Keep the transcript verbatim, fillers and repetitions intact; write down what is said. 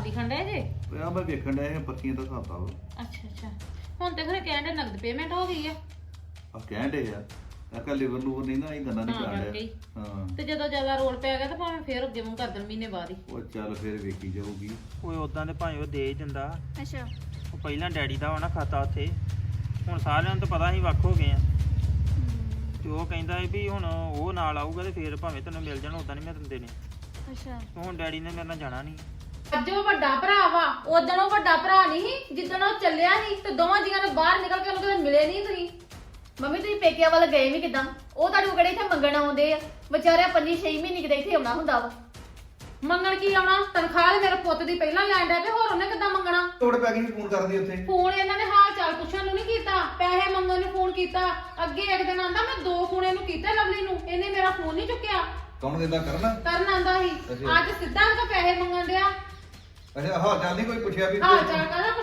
ਦਿਖਣ ਡਿਆ ਜੇ? ਆ ਮੈਂ ਵੇਖਣ ਡਿਆ ਇਹ ਪੱਕੀਆਂ ਦਾ ਖਾਤਾ ਵਾ। ਅੱਛਾ ਅੱਛਾ ਹੁਣ ਤੇ ਖਰੇ ਕਹਿਣ ਦੇ ਨਗਦ ਪੇਮੈਂਟ ਹੋ ਗਈ ਆ। ਆ ਕਹਿਣ ਡੇ ਆ ਆ ਕੱਲ ਲਿਵਰ ਲੂਵਰ ਨਹੀਂ ਨਾ ਇਹ ਗੰਨਾ ਨਹੀਂ ਹਾਂ, ਕਾਂਡਿਆ ਕਰਕੇ ਹੀ। ਹਾਂ ਤੇ ਜਦੋਂ ਜ਼ਿਆਦਾ ਰੋਲ ਪੈ ਗਿਆ ਤਾਂ ਭਾਵੇਂ ਫੇਰ ਅੱਗੇ ਮੂੰਹ ਕਰ ਦੇਣ ਮਹੀਨੇ ਬਾਅਦ ਹੀ। ਉਹ ਚੱਲ ਫੇਰ ਵੇਖੀ ਜਾਊਗੀ। ਓਏ ਉਦਾਂ ਤੇ ਭਾਵੇਂ ਉਹ ਦੇ ਹੀ ਦਿੰਦਾ। ਅੱਛਾ ਉਹ ਪਹਿਲਾਂ ਡੈਡੀ ਦਾ ਹੋਣਾ ਖਾਤਾ ਉੱਥੇ, ਹੁਣ ਸਾਰਿਆਂ ਨੂੰ ਤਾਂ ਪਤਾ ਹੀ ਵੱਖ ਹੋ ਗਏ ਆ। ਤੇ ਉਹ ਕਹਿੰਦਾ ਸੀ ਵੀ ਹੁਣ ਉਹ ਨਾਲ ਆਊਗਾ ਤੇ ਫੇਰ ਭਾਵੇਂ ਤੈਨੂੰ ਮਿਲ ਜਾਣ, ਉਦਾਂ ਨਹੀਂ ਮੈਂ ਦਿੰਦੇ ਨੇ। ਅੱਛਾ ਹੁਣ ਡੈਡੀ ਨੇ ਮੇਰੇ ਨਾਲ ਜਾਣਾ ਨਹੀਂ। ਅੱਜ ਉਹ ਵੱਡਾ ਭਰਾ ਵਾ, ਉਦੋਂ ਉਹ ਵੱਡਾ ਭਰਾ ਨਹੀਂ ਸੀ ਜਿੱਦਣ ਉਹ ਚੱਲਿਆ ਸੀ ਤੇ ਦੋਵਾਂ ਜੀਆਂ ਨੇ ਬਾਹਰ ਨਿਕਲ ਕੇ ਉਹਨੂੰ ਕਦੇ ਮਿਲੇ ਨਹੀਂ ਤੁਸੀਂ। ਮੰਮੀ ਤੁਸੀਂ ਪੇਕਿਆਂ ਵੱਲ ਗਏ ਵੀ ਕਿਦਾਂ? ਉਹ ਤੁਹਾਡੇ ਕੋਲ ਕਿਹੜੇ ਇੱਥੇ ਮੰਗਣ ਆਉਂਦੇ ਆ? ਵਿਚਾਰਿਆ ਪੰਜੀ ਛੇ ਮਹੀਨੇ ਕਿਤੇ ਇੱਥੇ ਆਉਣਾ ਹੁੰਦਾ ਵਾ। ਮੰਗਣ ਕੀ ਆਉਣਾ? ਤਨਖਾਹ ਤੇ ਮੇਰੇ ਪੁੱਤ ਦੀ ਪਹਿਲਾਂ ਲੈਣ ਡਿਆ ਤੇ ਹੋਰ ਉਹਨੇ ਕਿੱਦਾਂ ਮੰਗਣਾ? ਤੋੜ ਪੈ ਗਈ ਫੋਨ ਕਰਦੀ ਉੱਥੇ। ਫੋਨ ਇਹਨਾਂ ਨੇ ਹਾਲ ਚਾਲ ਪੁੱਛਣ ਨੂੰ ਨਹੀਂ ਕੀਤਾ, ਪੈਸੇ ਮੰਗਣ ਨੂੰ ਫੋਨ ਕੀਤਾ। ਅੱਗੇ ਇੱਕ ਦਿਨ ਆਂਦਾ ਮੈਂ ਦੋ ਫੋਨ ਇਹਨੂੰ ਕੀਤੇ ਲਵਲੀ ਨੂੰ, ਇਹਨੇ ਮੇਰਾ ਫੋਨ ਨਹੀਂ ਚੁੱਕਿਆ। ਕੌਣ ਦਿੰਦਾ ਕਰਨਾ? ਕਰਨ ਆਂਦਾ ਸੀ, ਅੱਛਾ। ਅੱਜ ਸਿੱਧਾ ਉਹਦਾ ਪੈਸੇ ਮੰਗਣ ਡਿਆ। ਅੱਛਾ ਹਾਂ ਚੱਲ ਨਹੀਂ ਕੋਈ ਪੁੱਛਿਆ ਵੀ ਹਾਲ ਚਾਲ ਕਹਦਾ